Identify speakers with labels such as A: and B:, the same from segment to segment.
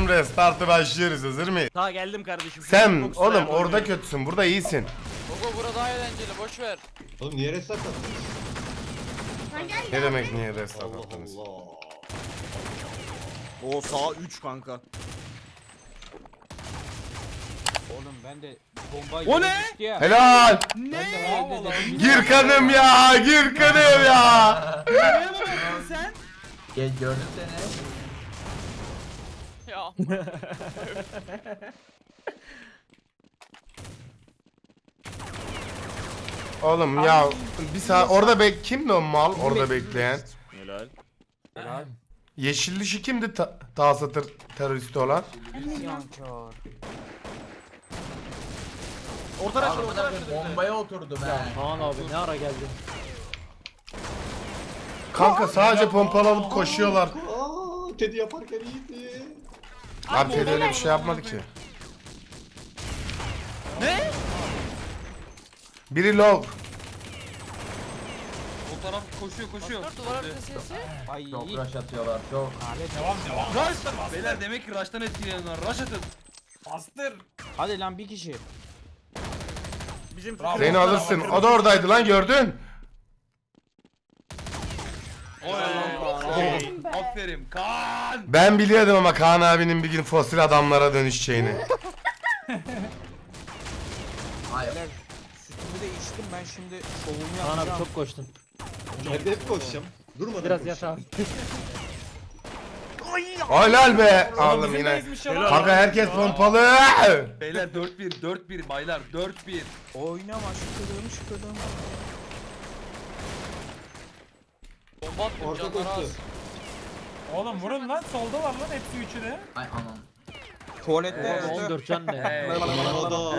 A: Basıyorum restartı, başlıyoruz, hazır mıyız?
B: Ta geldim kardeşim.
A: Sen
B: Çok
A: oğlum
B: sıra
A: orada
B: yapıyorum.
A: kötüsün, burada iyisin.
C: Gogo bura daha eğlenceli, boş ver.
D: Oğlum niye restart attın?
A: Ne demek niye restart
D: Allah
A: attınız?
D: Allah.
B: O sağ 3 kanka.
E: Oğlum ben de bomba
B: O ne?
E: yemişti ya.
A: Helal!
E: Ben de herhalde dedim.
A: Gir kanım ya, gir kanım ya!
B: Nereye bakıyorsun sen?
F: Gel gördüm seni.
C: Ya.
A: Oğlum ya bir saat orada kimdi o mal orada bekleyen?
B: Helal.
E: Helal.
A: Yeşil dişi kimdi ta satır teröristi olan?
E: İsyankar.
B: Orta raşlı orta
F: Amına
B: raşlı.
F: koyayım, bombaya oturdum he.
E: Kaan abi ne ara geldin?
A: Kanka sadece pompalı alıp koşuyorlar.
D: Aa, Teddy yaparken iyiydi.
A: Abi Teddy öyle bir şey yapmadı ki.
B: Ne?
A: Biri low.
G: O taraf koşuyor.
C: Dur duvar arkası sesi.
E: Ay.
F: Çok rush atıyorlar çok.
G: Rush! Beyler demek ki rush'tan etkileniyorlar. Rush atın.
E: Hadi lan bir kişi.
B: Bizim
A: Zeyno alırsın. O da oradaydı lan, gördün.
G: Aferin. Kaan!
A: Ben biliyordum ama Kaan abinin bir gün fosil adamlara dönüşeceğini.
F: Hayır.
E: Sütümü de içtim ben şimdi şovumu
H: Kaan
E: yapacağım.
H: abi çok koştun.
D: Ben de hep koşacağım. Durmadan
H: Biraz
D: koşacağım.
H: yat abi.
A: Helal be. Aldım yine. Kanka herkes pompalı.
G: Beyler 4-1 baylar 4-1.
E: Oynama şükürüm.
C: Bomba attım
D: Orta
C: canlar az.
D: koştu.
I: Oğlum vurun lan, solda var lan hepsi üçü de.
F: Ay anam.
E: Tuvalette
H: Oğlum 14 can ne?
D: Mehmet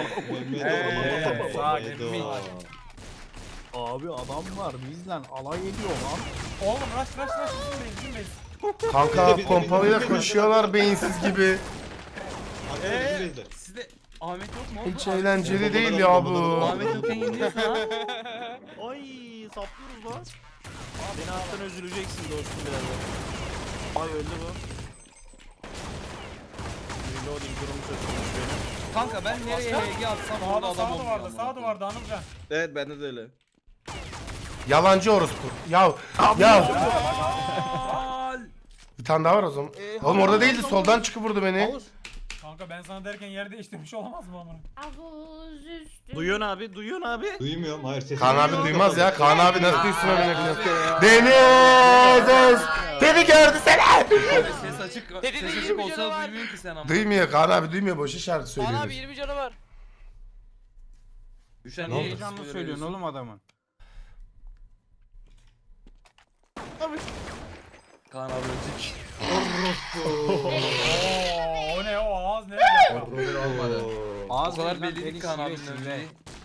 E: Sağa
D: Mehmet
E: Abi adam var bizle alay ediyor lan.
I: Oğlum rush bizim base.
A: Kanka pompalıyla koşuyorlar beyinsiz gibi.
G: Sizde Ahmet yok mu?
A: Hiç eğlenceli değil ya bu.
G: Ahmet yokken yeniliyorsun ha.
B: Ay saplıyoruz lan. Beni alttan üzüleceksin dostum birazdan. Ay öldü bu. Reloading durumu söz konusu benim.
G: Kanka ben nereye HG atsam orada
I: Sağda
G: adam
I: sağ
G: olmuyor.
I: duvarda duvarda Anılcan.
B: Evet bende de öyle.
A: Yalancı orospu. Ya
G: Al!
A: bir tane daha var o zaman. Oğlum orada değildi, soldan çıkıp vurdu beni.
I: Kanka ben sana derken yer değiştirmiş olamaz mı amına?
J: Havuz üstü.
B: Duyuyorsun abi.
D: Duymuyorum, hayır sesini
A: Kaan abi
D: duyuyorum.
A: duymaz ya. Kaan abi nasıl duysun öyle biliyorsun. Deniz! Beni gördü seni!
G: Ses açık.
C: Dedi
G: Ses
C: de
G: açık
C: 20
G: olsa
C: canı var.
G: duymuyorsun ki sen ama.
A: Duymuyor Kaan abi, duymuyor, boş işaret
C: Kaan abi
A: söylüyoruz.
C: 20 canı var.
G: Düşen
E: Ne
G: niye
E: heyecanlı söylüyorsun oğlum adamın.
G: Kaan abi ölecek.
I: Oo, o ne o ağız ne yapıyor?
F: Robin olmadı.
G: O kadar belli ki Kaan abinin öldüğü.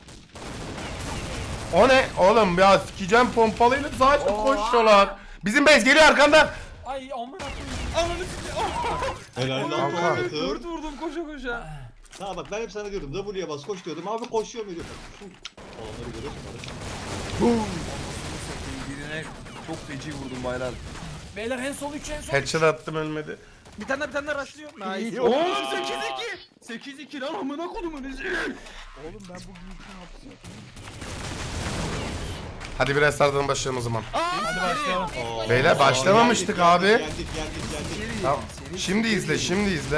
A: O ne? Oğlum ya sikeceğim, pompalıyla sadece koşuyorlar. Bizim base geliyor arkandan.
I: Ay amına koyayım.
G: Ananı sikeyim.
D: Helal lan
A: Kanka.
D: Ahmet'im.
G: Vurdum koşa.
D: Ha bak ben hep sana diyordum W'ye bas koş diyordum abi koşuyor mu diyor. Olanları görüyorsun kardeşim.
G: Birine çok feci vurdum baylar.
I: Beyler en sol 3 en sol.
A: Headshot attım, ölmedi.
B: Bir tane daha rushlıyor. Nice.
G: Oğlum 8-2. 8-2 lan amına kodumun izi.
E: Oğlum ben bugün için hapsi.
A: Hadi biraz sardan başlayalım o zaman.
I: Hadi başlayalım.
A: Beyler başlamamıştık abi.
D: Geldik.
A: Tamam. Şimdi izle.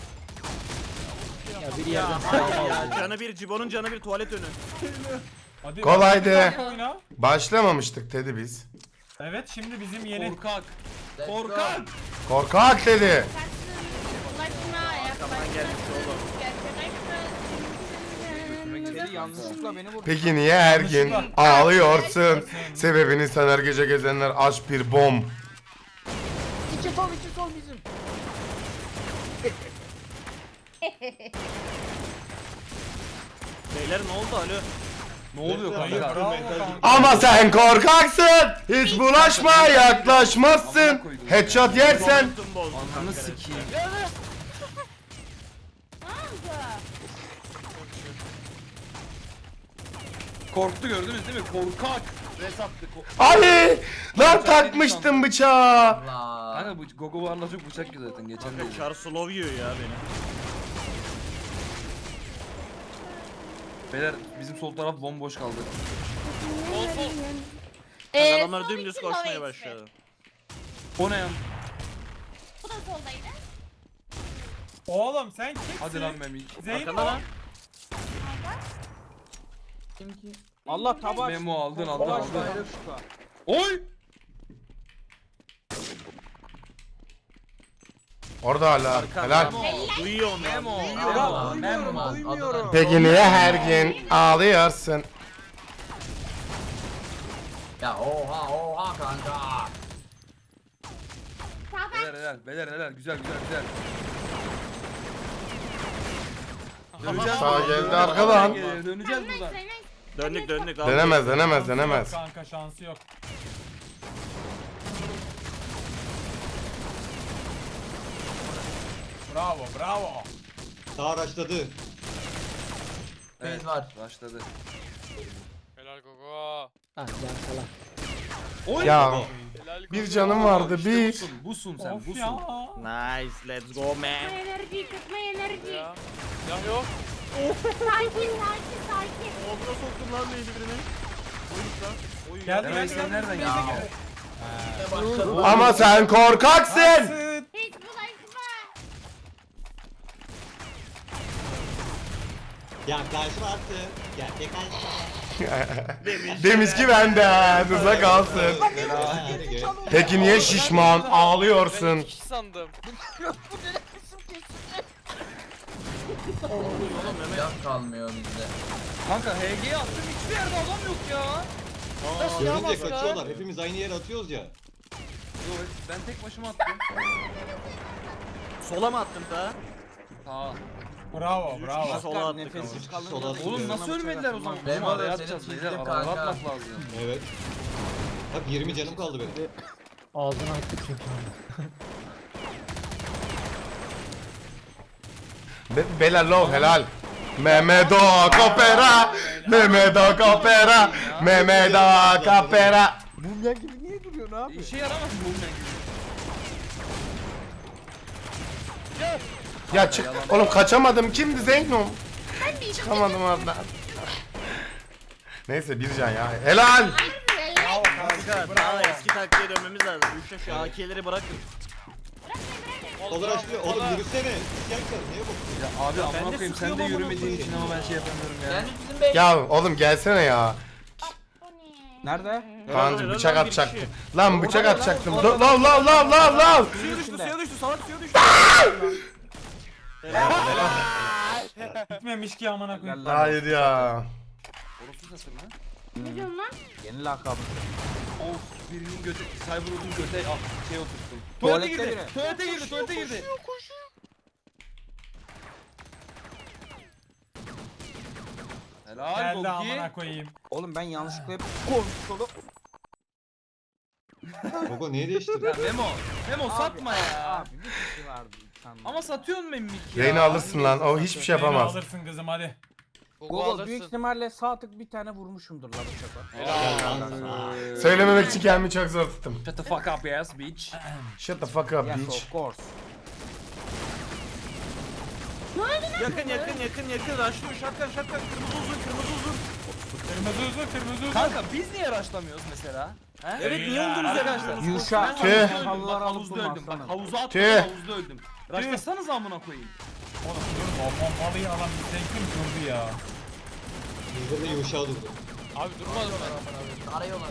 H: Ya bir yerden
B: Ya canı bir Cibo'nun canı bir tuvalet önü.
I: Hadi.
A: Kolaydı.
I: Oyna.
A: Başlamamıştık dedi biz.
I: Evet şimdi bizim yeni.
G: Korkak.
F: Let's go.
G: Korkak.
A: Korkak dedi.
J: Ulaşma yaklaşma.
E: Seni yanlışlıkla beni vurdu.
A: Peki niye her gün ağlıyorsun? Sebebini sen her gece gezenler aç bir bom.
E: İki sol bizim.
B: Beyler ne oldu alo?
G: Ne oluyor
I: Hayır
G: kanka?
I: bravo kanka.
A: Ama sen korkaksın. Hiç bulaşma, yaklaşmazsın. Headshot yersen.
G: Ananı sikeyim. Korktu gördünüz değil mi? Korkak. Res attık.
A: Ay! Lan takmıştım bıçağı.
F: Allah.
G: Kanka bu Gogo varla çok bıçak yiyor zaten geçen de.
B: Kanka Char slow yiyor ya beni.
G: Beyler bizim sol taraf bomboş kaldı.
C: Sol sol.
B: Adamlar
J: sol
B: dümdüz
J: iki
B: koşmaya
J: low
B: başladı.
G: O ne ya?
J: Bu da soldaydı.
I: Oğlum sen kimsin?
G: Hadi lan Memik.
I: Zeyn
B: Arkanda lan.
F: Kim ki?
E: Allah tabaş.
G: Memo aldın aldın
E: Tabaş
G: aldın.
E: bayrak.
G: Oy!
A: Orada hala.
B: Arkanda.
A: Helal.
B: Duyuyor onu.
G: Memo.
B: Duyuyor.
E: Ya
F: Allah.
E: duymuyorum
F: Allah.
E: duymuyorum.
A: Peki niye her gün ağlıyorsun?
F: Ya oha kanka.
J: Sağdan.
G: Beyler güzel.
A: Sağ geldi arkadan.
G: Döneceğiz
J: Nice,
G: buradan.
J: nice.
B: Döndük.
A: Denemez
I: Şansı
A: denemez.
I: yok Kanka şansı yok. Bravo.
D: Sağ araçladı.
F: Beyz var.
G: Başladı.
C: Helal Gogo.
G: Oy!
A: Ya
C: Helal Gogo.
A: bir canım vardı
G: İşte
A: bir.
G: busun sen
I: Of
G: busun.
I: ya.
B: Nice, let's go
J: Tutma
B: man.
J: enerji, tutma enerji.
C: Ya. Silah yok.
J: Sakin.
B: Ağzına soktum lan neydi birini. Oymuş lan. Oy.
I: Geldi,
G: Demek sen nereden geldin?
F: Başladı.
A: Ama sen korkaksın.
J: Hiç bulaşma.
D: Yaklaşma artık. Gerçek
A: Demiş ki benden uzak kalsın. Peki niye şişman
C: Ben
A: ağlıyorsun?
C: 2 kişi sandım.
F: Silah kalmıyor bizde.
G: Kanka HG'ye attım hiçbir yerde adam yok ya.
D: Görünce kaçıyorlar. Hepimiz aynı yere atıyoruz ya.
G: Yo, ben tek başıma attım.
B: Sola mı attın ta?
G: Aa.
I: Bravo.
B: Sola attık
E: Nefessiz
B: ama.
E: kalınca
D: Sola
E: da-
G: Oğlum nasıl ölmediler o zaman?
F: Ben
G: Bizim
F: var
G: araya
F: ya,
G: atacağız
F: seni
G: beyler.
F: çizdim
G: Araya
F: kanka.
G: atmak lazım.
D: Evet. Bak 20 canım kaldı benim.
A: Bela low helal. Mehmedo Kopera. Mehmedo Kopera. Mehmedo Kopera.
E: Mumya gibi niye duruyorsun abi?
G: İşe yaramaz bu ne gibi.
A: Ya çık. Oğlum kaçamadım. Kimdi Zeynom? Çıkamadım oradan. Neyse bir can ya. Helal.
I: Bravo
B: Kanka daha eski taktiğe dönmemiz lazım. Üçte şu AK'leri bırakın.
D: Olur açlıyor. Oğlum yürüsene. İsyankar. Neye bakıyorsun?
G: Ya abi
B: ben de
G: amına koyayım sen de
B: sıkıyorum amına
G: yürümediğin
B: koyayım.
G: için ama ben şey yapamıyorum ya.
F: Yani bizim bey.
A: Ya oğlum gelsene ya.
E: Nerede?
A: Kanka
B: Helal,
A: bıçak
B: helal, bir
A: atacaktım.
B: kişi.
A: Lan bıçak atacaktım. Lav.
B: Suya düştü, salak suya düştü.
I: Gitmemiş ki amına koyayım.
E: Gel lan.
A: Hayır ya.
G: Orası satır mı?
J: Ne diyorsun lan?
E: Yeni lakabı.
G: Of birinin götü, Cyberus'un göte şey oturttum.
E: Tuvalette
G: Tuvalete girdi.
E: biri.
G: Tuvalete girdi. Helal
I: Geldi
G: Gogi.
I: amına koyayım.
E: Oğlum ben yanlışlıkla hep konsolu.
D: Gogo niye değiştirdin?
G: Ya Memo satma ya.
E: Abi bir kişi vardı sandım.
G: Ama satıyorsun Memik ya.
A: Reyna alırsın lan. O hiçbir şey
I: Beni
A: yapamaz.
I: alırsın kızım hadi.
C: Gogo
E: Google büyük
C: alırsın.
E: ihtimalle sağ tık bir tane vurmuşumdur la bıçakla.
C: Helal.
A: Söylememek için kendimi çok zor tuttum.
G: Shut the fuck up yes bitch.
A: Shut the fuck up
E: Yes
A: bitch.
E: of course.
B: Yakın. Raşlıyor şatkan. Kırmızı uzun.
I: Kırmızı uzun.
G: Kanka biz niye rushlamıyoruz mesela? He?
B: Evet niye oldunuz
G: Arkadaşlar.
E: Yuşa.
A: Tüh.
G: Ben havuzda öldüm.
E: Halılar
G: Bak
E: alıp
G: havuzda öldüm. Bak
E: durmazsana.
G: havuza attım
A: Tüh.
G: havuzda öldüm. Rushlasanız amına koyayım.
I: Oğlum dur o pompalıyı alan bir zevkim durdu ya.
D: Bizde de yumuşağı durdu.
C: Abi durmadım ben.
F: Arıyorlar.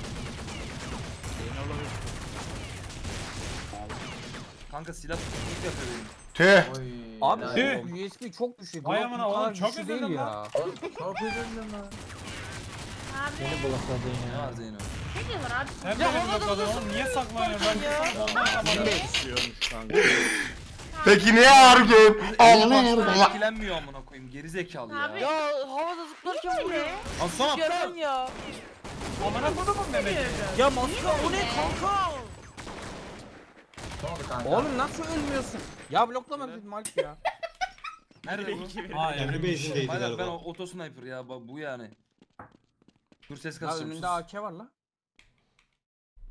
G: Kanka silah tutukluk yapıyor benim.
A: Tüh.
F: Oy.
E: Abi
F: helal.
E: bu USB çok güçlü.
I: Vay
E: Bu
I: amına
E: kadar
I: oğlum, çok
E: güçlü
I: üzüldüm
E: değil
I: lan.
E: ya.
F: Oğlum, çok üzüldüm lan.
J: Abi.
G: Ne var Zeyno?
J: Ne diyorlar abi?
I: Sen benim bakalım oğlum niye saklanıyorsun? Ben
B: Düşüyormuş kanka.
A: Peki niye her gün?
G: Allah. Etkilenmiyor amına koyayım geri zekalı ya.
J: Abi.
C: Ya havada zıplarken vuruyor.
G: Aslan
C: Kerem ya.
I: amına kodumun Mehmet'i.
B: Ya maska o ne kanka?
F: Ne oldu kanka?
E: Oğlum nasıl ölmüyorsun? Ya bloklama dedim Alp ya.
G: Nerede bu?
I: Ha
D: Kendi
I: evrim
D: base'indeydi
G: Hayır ben
D: galiba.
G: otosniper ya bu yani. Dur ses
E: Ya
G: kasacağım.
E: önünde AK var la.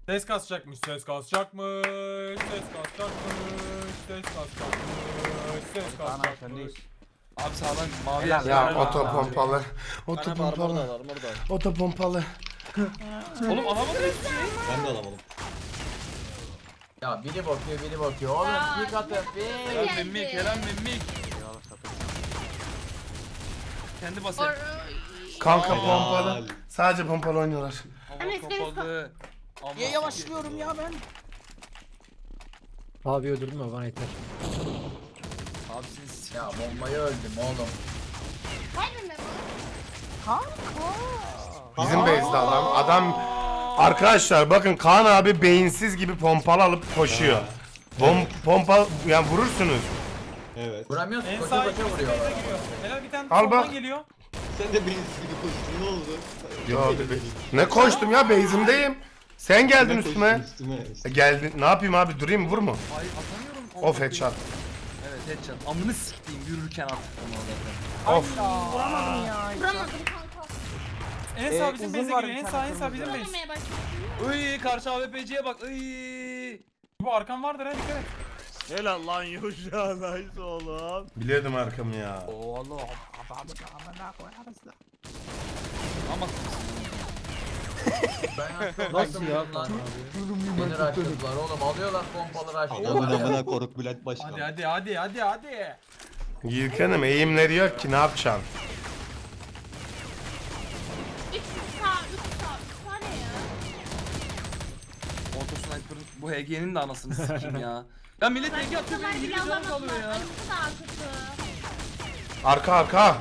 I: Ses kasacakmış, ses kasacakmış, ses kasacakmış, ses kasacakmış, ses
E: Kaan abi
I: kasacakmış.
E: sendeyiz.
G: Abi sağdan mavi
E: Helal
G: yer.
A: Ya
E: Helal.
A: oto pompalı.
B: Bana
A: Oto
B: armor da
A: pompalı.
B: al, armor da al.
A: Oto pompalı.
G: Oğlum alamadım.
D: Ben de alamadım.
F: Ya biri bakıyor. Oğlum
J: Ya,
F: bir katı.
G: Helal memmik, helal memmik. Kendi basar.
A: Kanka
G: Aa.
A: pompalı. Sadece pompalı oynuyorlar.
G: Hava kapalı. Ama-
E: Niye yavaşlıyorum ya ben?
C: Abi öldürdün bana yeter.
G: Abi siz
F: Ya bombayı öldüm oğlum.
J: Hayır mı?
A: Bizim base'de adam. Arkadaşlar bakın Kaan abi beyinsiz gibi pompalı alıp koşuyor. Pompa yani vurursunuz.
D: Evet.
F: Vuramıyorsun
I: En
F: koşa
I: sağ
F: koşa
I: ikisi
F: vuruyor.
I: base'e giriyor. Helal bir tane
A: Al
I: soldan
A: bak.
I: geliyor.
D: Sen de bensiz gibi koştun, ne oldu?
A: Yo ne koştum ya base'imdeyim. Sen geldin
D: Ne
A: üstüme.
D: koştun üstüme?
A: Geldin. Ne yapayım abi durayım vur mu?
G: ay atamıyorum.
A: Of headshot.
G: Evet headshot. Amını siktiğim yürürken at onu zaten.
A: Of.
E: Vuramadım ya.
J: Vuramadım kanka.
I: En sağ bizim
E: uzun
I: base'e
E: var
I: giriyor.
E: bir
I: En
E: tane
I: sağ bizim
E: kırmızı.
I: base.
J: Vuramaya başladım.
G: Iy karşı AWP'ciye bak. Iy.
I: Bu arkan vardır ha dikkat et.
B: Helal lan Yuşa, nice oğlum.
A: Biliyordum arkamı ya.
E: Oğlum adamı amına koyarız da.
G: Ama
F: Ben
C: Nasıl ya?
F: lan. Beni raşladılar oğlum. Alıyorlar pompalı
D: Aman
F: raşlıyorlar.
D: amına koruk Bülent Başkan.
I: Hadi.
A: Yiğitkan'ım eğimleri yok ki ne yapacaksın?
J: 3 sağ, 3 sağ. 3 sağ ne ya?
G: Auto Sniper'ın bu HG'nin de anasını sikeyim ya. Ya millet HG atıyor
J: Bunlar
G: benim
J: bile
G: 20 canım
J: alamadılar.
G: kalıyor ya.
J: Ay bu daha kötü.
A: Arka.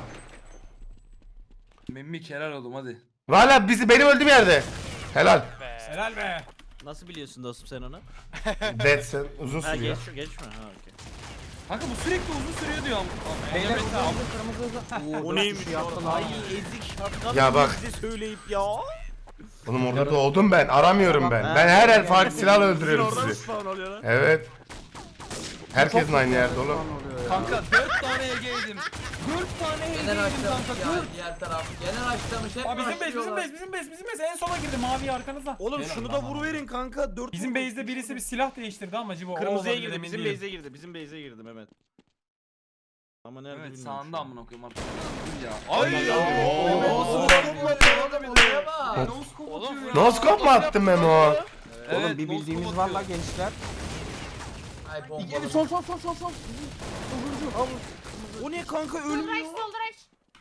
G: Memmik helal oldum hadi.
A: Valla benim öldüğüm yerde. Helal.
I: Helal be.
B: Nasıl biliyorsun dostum sen onu?
A: Deadsen uzun
B: Ha
A: sürüyor.
B: geçme ha okey.
G: Kanka bu sürekli uzun sürüyor diyorum.
E: Beyler
I: Evet,
E: uzun
I: abi.
E: uzun kırmızı uzun.
B: O neymiş
E: Şu
B: ya?
E: yaptılar.
B: Ay ezik şapkalı
A: Ya bak.
B: bizi söyleyip ya.
A: Oğlum orada doğdum ben. Aramıyorum ben. Ben her el farklı silahla öldürüyorum
B: Orada mı
A: sizi.
B: spawn oluyor lan?
A: Evet. Herkesin aynı yerde oğlum.
G: Kanka 4 tane HG yedim. 4 tane HG
F: Gene
G: yedim
F: raşlamış
G: kanka
F: ya
G: 4.
F: diğer taraf. Gene raşlamış hep
I: Aa, bizim
F: raşlıyorlar.
I: base en sola girdi mavi arkanızda.
B: Oğlum
I: Helal
B: şunu
I: lan
B: da
I: bana.
B: vuruverin kanka. 4
I: Bizim base'de birisi bir silah değiştirdi ama Cibo. o
B: kırmızıya
I: olabilir,
B: girdi.
I: emin
B: Bizim
I: değilim.
B: base'e girdi. Bizim base'e girdi Mehmet. Ama nerede
G: Evet
B: bilmiyorum.
G: sağında
B: şu an.
G: amına koyayım artık. Dur ya.
B: Ay ya.
F: Mehmet
B: Oo.
F: nasıl oğlum olaya bak.
G: Oğlum
A: Noskop mu attın Memo?
E: Oğlum bir bildiğimiz var la gençler.
F: Ay
E: Bir
F: pompalı.
E: sol.
B: O ne kanka
J: Soldraç,
B: ölmüyor.
J: soldraç.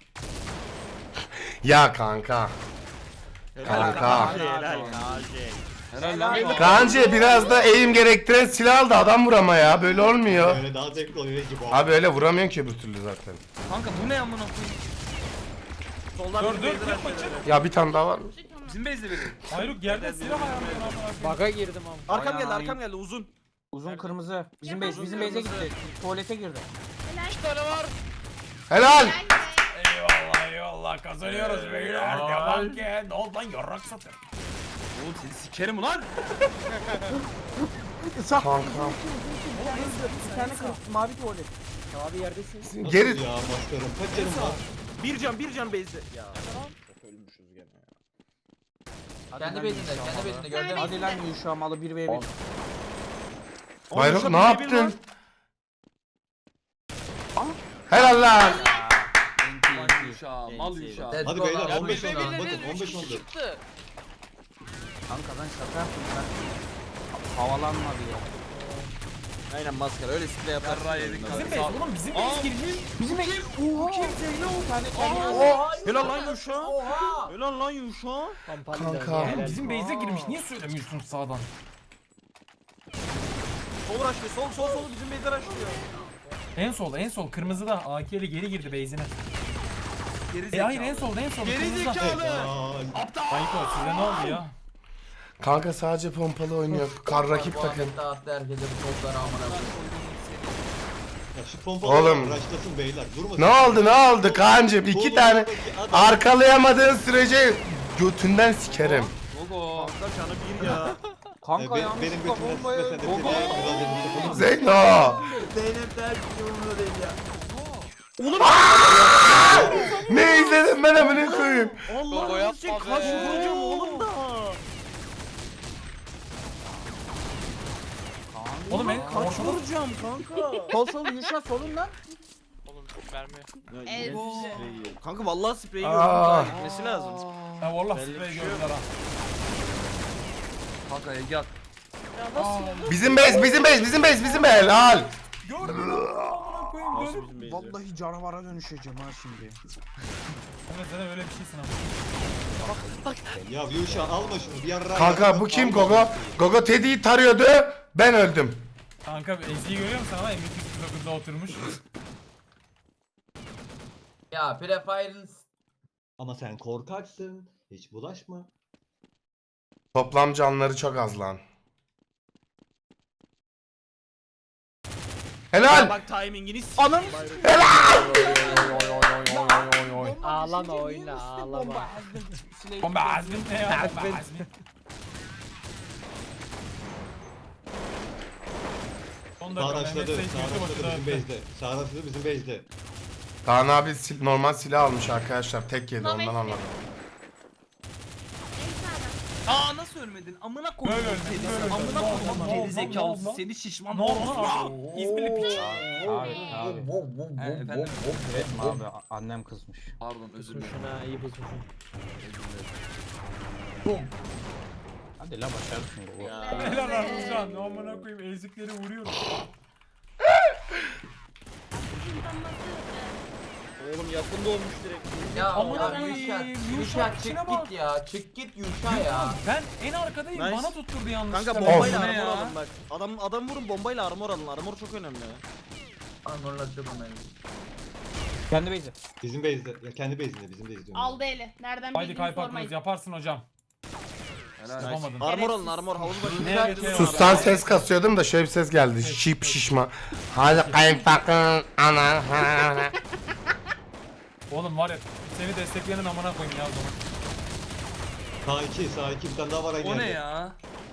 A: Ya kanka. Kanka.
B: Helal.
G: helal lan.
A: Kancı biraz da eğim gerektiren silah aldı adam vurama ya. Böyle olmuyor.
D: Böyle daha zevkli oluyor gibi.
A: Abi öyle vuramıyorsun ki öbür türlü zaten.
G: Kanka bu ne amına koyayım?
B: Soldan
I: Dur,
B: bir
I: dur,
B: base'e
I: dur,
B: raşlıyor.
A: Ya bir tane daha var mı?
G: Bizim base'de biri.
I: Hayruk yerde silah ayarlıyor.
C: Baga girdim ama.
B: Arkam geldi uzun.
E: Uzun kırmızı. Bizim
J: Ya
E: base
J: ben
E: bizim base'e
B: kırmızı.
E: gitti. Tuvalete girdi.
J: Helal.
B: 2 tane var.
A: Helal.
J: Helal be.
I: Eyvallah kazanıyoruz beyler. Devam ki. Ne oldu lan yarrak satır.
G: Oğlum seni sikerim ulan.
A: Kanka.
E: Bir tane mavi tuvalet.
C: Abi yerdesin.
A: Geri.
D: Ya maskarım kaç canım var?
B: Bir can base'de. Ya. Ölmüşüz gene ya.
F: Kendi bezinde gördün.
E: Hadi lan Yuşa malı 1v1.
A: Bayrok ne yaptın? Helal lan.
G: Mal Yuşa, mal Yuşa.
F: Let's
D: Hadi
F: go
D: beyler
F: lan.
D: 15 oldu. Bakın 15 oldu.
E: Kanka ben şaka yaptım ben. Havalanmadı ya.
B: Aynen maskara öyle sprey yaparsın.
G: Yarrağı yedik
B: Bizim
G: kanka.
I: Bizim base oğlum bizim base girmiş.
E: Bizim ev. Oha. Kim Zeyno? Bir tane
B: Helal lan Yuşa.
F: Oha.
B: Helal lan Yuşa.
A: Kanka.
I: Oğlum bizim base'e girmiş. Niye söylemiyorsun sağdan?
B: Sol raşlıyor. Sol bizim base'e raşlıyor.
I: En sol kırmızıda AK'li geri girdi base'ine.
G: Geri
I: Hayır en solda
G: Geri
I: kırmızıda.
G: zekalı.
I: Ayko size ne oldu ya?
A: Kanka sadece pompalı oynuyor. Kar rakip takım.
F: Muhammed dağıttı herkese bu topları amına koyayım.
D: Ya şu pompalı
A: Oğlum.
D: raşlasın beyler. Durmasın.
A: Ne oldu Kaan'cım? 2 tane arkalayamadığın sürece götünden sikerim.
G: Gogo.
B: Kanka canı bir ya.
E: Kanka
D: Benim
E: yanlışlıkla
D: götümden
E: bombayı.
D: sıkmasan da seni
A: Zeyno.
F: Zeynep der ki umurumda değil ya.
A: Ne izledim ben amına koyayım.
B: Allah için kaç vuracağım oğlum da.
I: Oğlum en
B: Kaç
I: ortada
B: vuracağım kanka?
E: Sol Yuşa solundan.
J: El
B: Kanka vallahi spreyi
A: Aa.
B: gördüm daha gitmesi lazım.
I: ha vallahi
B: Belli
I: sprey
B: bir şey
I: gördüler ha.
G: Kanka Ege at.
J: Ya nasıl oldu?
A: Bizim base, bizim base, bizim base, bizim base. Helal.
I: Gördün mü? Amına koyayım
B: Nasıl
I: dönüp.
B: bizim beyzi?
E: Vallahi canavara dönüşeceğim ha şimdi.
I: Evet sen öyle bir şeysin ama.
D: Ya Yuşa alma şunu bir yarra.
A: Kanka bu kim Gogo? Gogo Teddy'yi tarıyordu. Ben öldüm.
I: Kanka Ezgi'yi görüyor musun ama M249'da oturmuş.
F: Ya Prefire'ın
D: Ama sen korkaksın. Hiç bulaşma.
A: Toplam canları çok az lan. Helal.
B: Bak timingini
E: Anam.
C: Ağlama oyna ağlama.
I: Bomba azmin ne ya? Bomba azmin. Son dakika
D: Sağdaşladı.
I: Mehmet Seyit yurdu başı
D: Sağdaşladı bizim
I: dağıttı.
D: base'de. Sağdaşladı bizim base'de.
A: Kaan abi normal silah almış arkadaşlar. Tek yedi
J: Normal
A: ondan
J: silah.
A: anladım.
J: En sağdan.
G: Aa nasıl ölmedin? Amına koydum.
I: Böyle öldüm,
G: seni.
I: böyle öldüm.
G: Amına
I: Ne oldu,
G: koydum.
I: ne oldu,
G: Geri
I: ne
G: zekalısı
I: oldu?
G: seni şişman.
I: Ne oldu lan? İzmirli piç.
E: Abi.
G: Efendim?
E: Evet abi annem kızmış.
G: Pardon özür dilerim.
C: Pusmuşsun ha iyi pusmuşsun.
E: Hadi la başarısın bu.
I: Helal Armuzcan. Ne amına koyayım ezikleri vuruyorum.
B: Oğlum yakında olmuş direkt.
F: ya
I: Amına
F: ya
I: koyayım,
F: Yuşa.
I: Yuşa,
F: Yuşa
I: içine
F: çık
I: bak.
F: git ya. Çık git Yuşa ya.
I: Ben en arkadayım.
B: Nice.
I: Bana tutturdu yanlışlıkla.
B: Kanka
A: Of.
B: bombayla
G: Ne
B: armor
G: ya?
B: alın bak. Adam vurun bombayla armor alın. Armor çok önemli.
F: Anlatıyorum ben.
E: Kendi beyzi.
D: Bizim base'de. Ya kendi base'inde bizim base diyorum.
J: Aldı eli. Nereden
I: Haydi
J: bildiğini
I: kaypak
J: sormayın.
I: yaparsın hocam.
G: Helal.
I: Yapamadın.
B: Armor alın armor havuz başı.
I: Ne yapıyorsun?
A: Sustan ses kasıyordum da şöyle bir ses geldi. Şip şişma. Hadi kayınpakın ana.
I: Oğlum var ya seni destekleyenin amına koyayım ya o zaman.
D: Sağ 2 bir tane daha var aynı
G: O ne
D: yerde.
G: ya?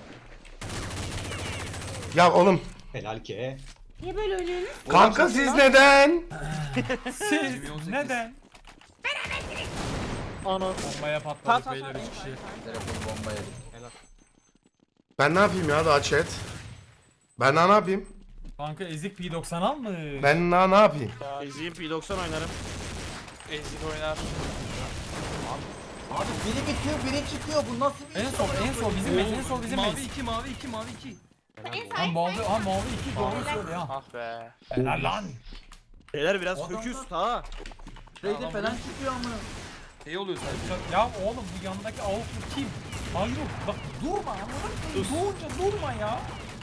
A: Ya oğlum
D: Helal ki.
J: Niye böyle oynuyorsunuz?
A: kanka siz neden?
I: Siz
G: 2018.
I: neden?
C: Ana.
I: Bombaya patladık beyler 3 kişi.
F: Telefon bomba yedik.
A: Ben ne yapayım ya daha chat? Ben daha ne yapayım?
I: Kanka ezik P90 almış.
A: Ben daha ne yapayım?
B: Eziyim P90 oynarım.
F: Abi biri bitiyor biri çıkıyor. Bu nasıl bir
I: En sol bizim base, en sol bizim
G: Mavi
I: base.
G: 2 mavi 2 mavi 2.
J: En
I: Ha
J: sağ
I: mavi 2 doğru söyle ya.
G: Ah be.
I: Helal lan.
B: Beyler biraz föküz ha.
F: Spreyde falan çıkıyor ama.
G: Şey oluyor sadece.
I: Ya oğlum bu yandaki avuklu kim? Hayır bak durma anladın mı? Doğunca durma ya.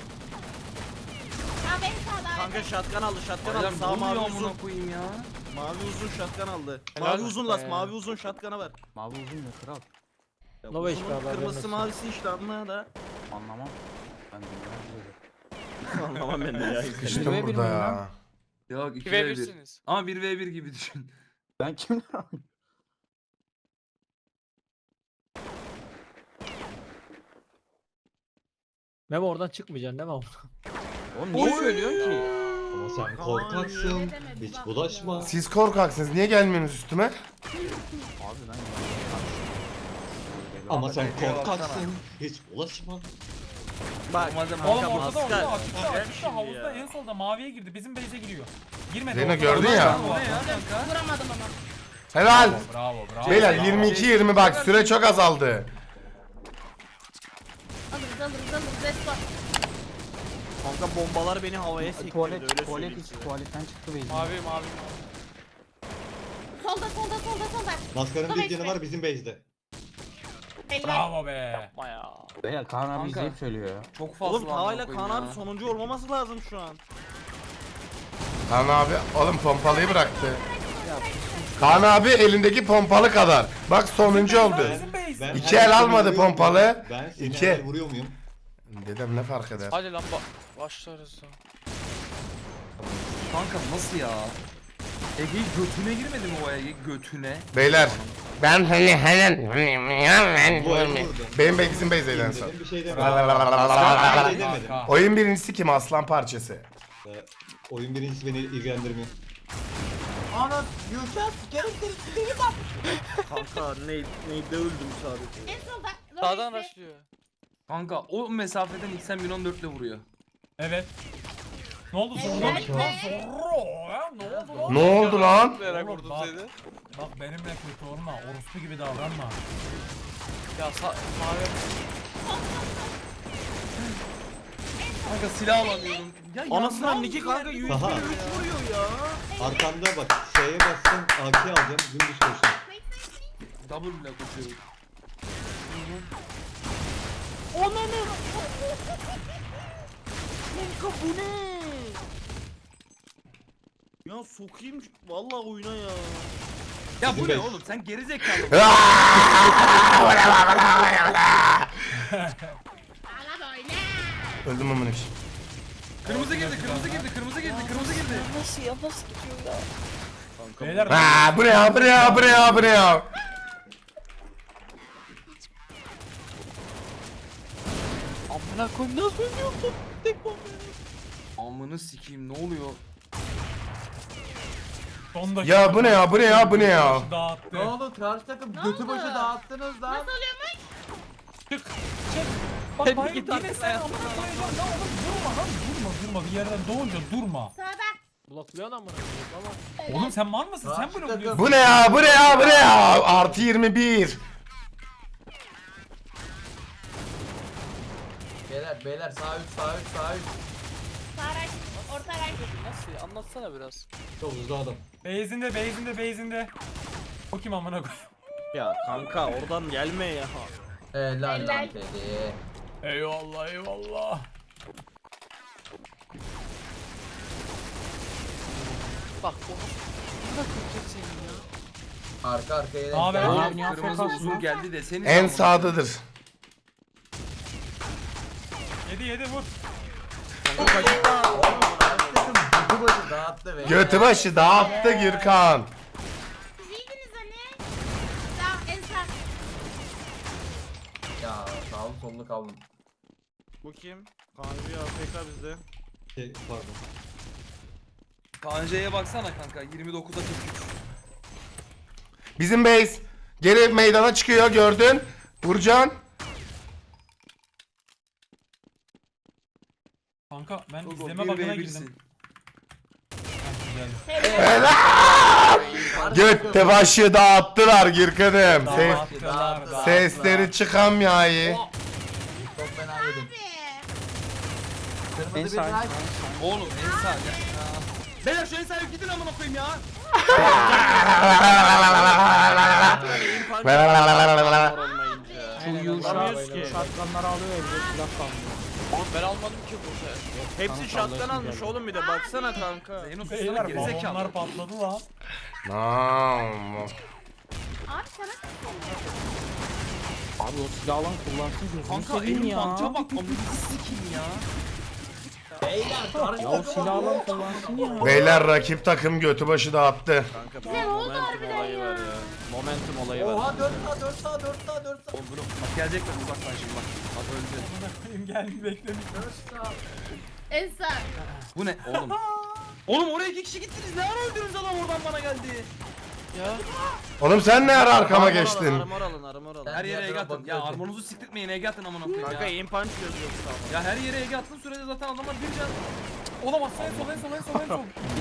J: Abi en sağda.
B: Kanka shotgun aldı shotgun aldı.
G: Adam
B: Sağ mavi
G: mavi
B: uzun.
G: amına koyayım ya.
B: Mavi uzun shotgun aldı.
G: Helal
B: Mavi uzun las
G: be.
B: mavi uzun shotgun'a ver.
E: Mavi uzun mu kral?
B: Ya
C: Nova
B: uzunun
C: HP abi,
B: kırmızısı
C: vermezsin.
B: mavisi işte anla da.
E: Anlamam. Ben bilmiyorum.
B: Anlamam ben de ya.
A: Sıkıştım
E: Ve bir
A: burada
E: miyim
A: ya.
G: Yok 2v1. Ama 1v1 gibi düşün.
E: Ben kimler abi?
C: Memo oradan çıkmayacaksın değil mi?
E: Oğlum niye söylüyorsun ki?
D: Ama sen
J: Öyle
D: korkaksın.
J: deme, bir
D: Hiç
J: bak
D: bulaşma.
A: Siz korkaksınız. Niye gelmiyorsunuz üstüme?
E: Abi ben
D: Ama sen korkaksın. Hiç bulaşma.
B: Bak
G: Normalde
I: Oğlum
B: kanka
I: ortada
B: maskar.
I: açıkta
B: Gel
I: açıkta
B: şimdi
I: havuzda
B: ya.
I: en solda maviye girdi. Bizim base'e giriyor. Girmedi.
A: Zeyno
I: ortada.
A: gördün ya.
G: O ne ya kanka?
J: Vuramadım ama.
A: Helal.
I: Bravo bravo.
A: Beyler
I: bravo.
A: 22-20 bak süre çok azaldı.
J: Alırız. Respa.
B: Kanka bombalar beni havaya sektirdi öyle
E: tuvalet
B: söyleyeyim
E: içi
B: size.
E: tuvaletten çıktı beyzi.
J: Solda.
D: Maskarın
J: Tabii
D: bir canı
J: ki.
D: var bizim base'de.
J: Helal.
I: Bravo be.
E: Beyler Kaan abi
G: Kanka.
E: izleyip söylüyor ya.
G: Çok fazla.
B: Oğlum Taha ile
G: amına
B: Kaan
G: koyayım
B: abi
G: ya.
B: sonuncu olmaması lazım şu an.
A: Kaan abi oğlum pompalıyı bıraktı. Kaan abi elindeki pompalı kadar. Bak sonuncu oldu.
I: Bizim base.
D: Ben
A: İki
D: her
A: el
D: seni
A: almadı
D: vuruyor muyum?
A: pompalı.
D: Ben seni
A: İki.
D: her vuruyor muyum?
A: Dedem ne fark eder?
H: Hadi lan başlarız.
G: Kanka nasıl ya? Ege götüne girmedi mi o Ege götüne?
A: Beyler ben
D: Bu el vurdu.
A: benim bizim base'deydi en son.
D: Dedim, bir şey demedim. Bir şey demedim.
A: Oyun birincisi kim? Aslan parçası.
D: Oyun birincisi beni ilgilendirmiyor.
F: Ana Yuşa sikerim seni bak.
B: Kanka neyde öldüm sadece.
J: En solda.
H: Sağdan başlıyor.
G: Kanka o mesafeden XM 1014 ile vuruyor.
I: Evet. Ne oldu
J: Evet
I: Zorro?
J: be.
I: Zorro ya ne oldu lan?
A: Ne oldu lan?
I: Oğlum bak, bak benimle kötü olma. Orospu gibi davranma.
G: Kanka silah alamıyorum. Ya
B: Anasından Niki kanka USB
D: Aha.
B: vuruyor ya.
D: Arkamda bak S'ye bassın AK alacağım dümdüz koşacağım.
G: double ile koşuyorum.
B: Kanka bu ne? Ya sokayım vallahi oyuna ya.
G: Ya bu ne
D: Beş.
G: oğlum sen geri zekalı.
J: Bana böyle.
A: Öldüm amına koyayım.
G: Kırmızı girdi, kırmızı girdi, kırmızı girdi, kırmızı girdi.
I: Beyler
A: Aa, bu ne ya, bu ne ya, bu ne ya, bu ne ya?
B: Amına koyayım nasıl oynuyorsun? Tek bomba.
G: Amını sikeyim ne oluyor?
I: son dakika.
A: Ya bu ne ya, bu ne ya, bu ne ya?
I: Dağıttı.
F: Ne oldu? Karşı takım götü başı dağıttınız lan.
J: Nasıl oluyormuş?
I: Çık. Çık. Bak
B: Hep
I: bana
B: git
I: yine
B: artık
I: sen
B: ayakta.
I: amına koyacaksın. Lan oğlum durma lan durma. Bir yerden doğunca durma.
J: Sağda.
C: Blokluyorsun amına koyayım ama.
I: Oğlum sen mal mısın? Sen
F: Karşı
I: bunu
F: takım.
I: biliyorsun.
A: Bu ne ya, bu ne ya, bu ne ya? Artı 21.
F: Beyler sağ 3 sağ 3 sağ 3.
J: Sağ araç. Orta araç.
B: Nasıl? Anlatsana biraz.
D: Çok hızlı adam.
I: Beyzinde. O kim amına koyayım?
B: Ya kanka oradan gelme ya.
F: Helal lan
J: Helal.
F: Teddy.
I: Eyvallah.
B: Bak o. Ne kötü senin ya.
F: Arka arkaya
I: Abi,
F: denk
I: abi.
F: geldi.
G: Kırmızı uzun geldi deseniz.
A: En sağdadır.
I: Yedi vur.
F: Karşı takım götü başı dağıttı be.
A: Götü başı dağıttı Gürkan.
J: Siz iyiydiniz hani. Daha en sağ.
F: Ya sağlı sollu kaldım.
B: Bu kim? Kanka ya AFK bizde.
D: Pardon.
G: Kanja'ya baksana kanka 29'a 43.
A: Bizim base geri meydana çıkıyor, gördün. Burcan.
I: Kanka ben
G: Togo,
I: izleme
G: 1v1'sin.
I: bakına girdim. Ha, güzel.
A: Götü başı dağıttılar Gürkan'ım.
I: Dağıttılar.
A: Sesleri çıkamıyor.
F: Çok fena yedim.
J: Abi.
F: Kırmızı bir raş.
G: Oğlum en sağ ya. Beyler şu en sağa gidin amına koyayım ya.
B: Vuramıyoruz ki. Şatkanlar alıyor evde silah kalmıyor. Oğlum ben almadım ki bu sefer. Hepsi şatkan almış oğlum bir de baksana kanka.
G: Zeyno susana
I: Beyler
G: geri
I: balonlar
G: zekalı.
I: patladı lan.
A: Tamam.
J: Abi sana sesleniyorum.
B: Abi o silah alan kullansın gözünü
G: Kanka
B: seveyim
G: elim
B: ya.
G: pança bak amını sikeyim ya.
F: Beyler karşı
B: Ya o
F: takım.
B: silah alan kullansın ya.
A: Beyler rakip takım götü başı dağıttı.
B: Kanka
J: Güzel oldu
B: momentum
J: harbiden
B: olayı
J: ya.
B: var ya. Momentum olayı var.
F: Oha 4 sağ 4 sağ 4 sağ 4 sağ.
G: Oğlum bunu bak gelecekler uzaktan şimdi bak. Bak öldü.
I: Amına koyayım geldi beklemiş.
F: 4 sağ.
J: En sağ.
G: Bu ne oğlum? Oğlum oraya 2 kişi gittiniz. Ne ara öldünüz adam oradan bana geldi.
B: Ya.
A: Oğlum sen ne ara arkama geçtin?
B: Armor alın.
G: Her yere
F: diğer
G: Ege
F: tarafa
G: atın. Ya
F: bakıyorum.
G: armorunuzu siktirtmeyin Ege atın amına koyayım
B: Kanka
G: ya.
B: aim punch yazıyor sağ.
G: Ya her yere Ege attığın sürede zaten adamlar bir can.
I: Olamaz en sol.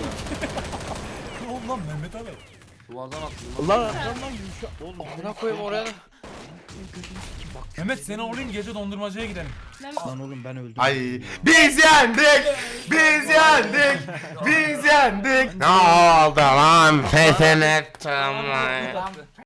I: Ne oldu lan Mehmet abi?
G: Duvardan attım.
B: Allah arkamdan yumuşak. Oğlum amına koyayım oraya.
I: Mehmet seni alayım gece dondurmacıya gidelim.
B: Lan oğlum ben öldüm.
A: Ay biz yendik. Ne oldu lan? Pes ettim lan.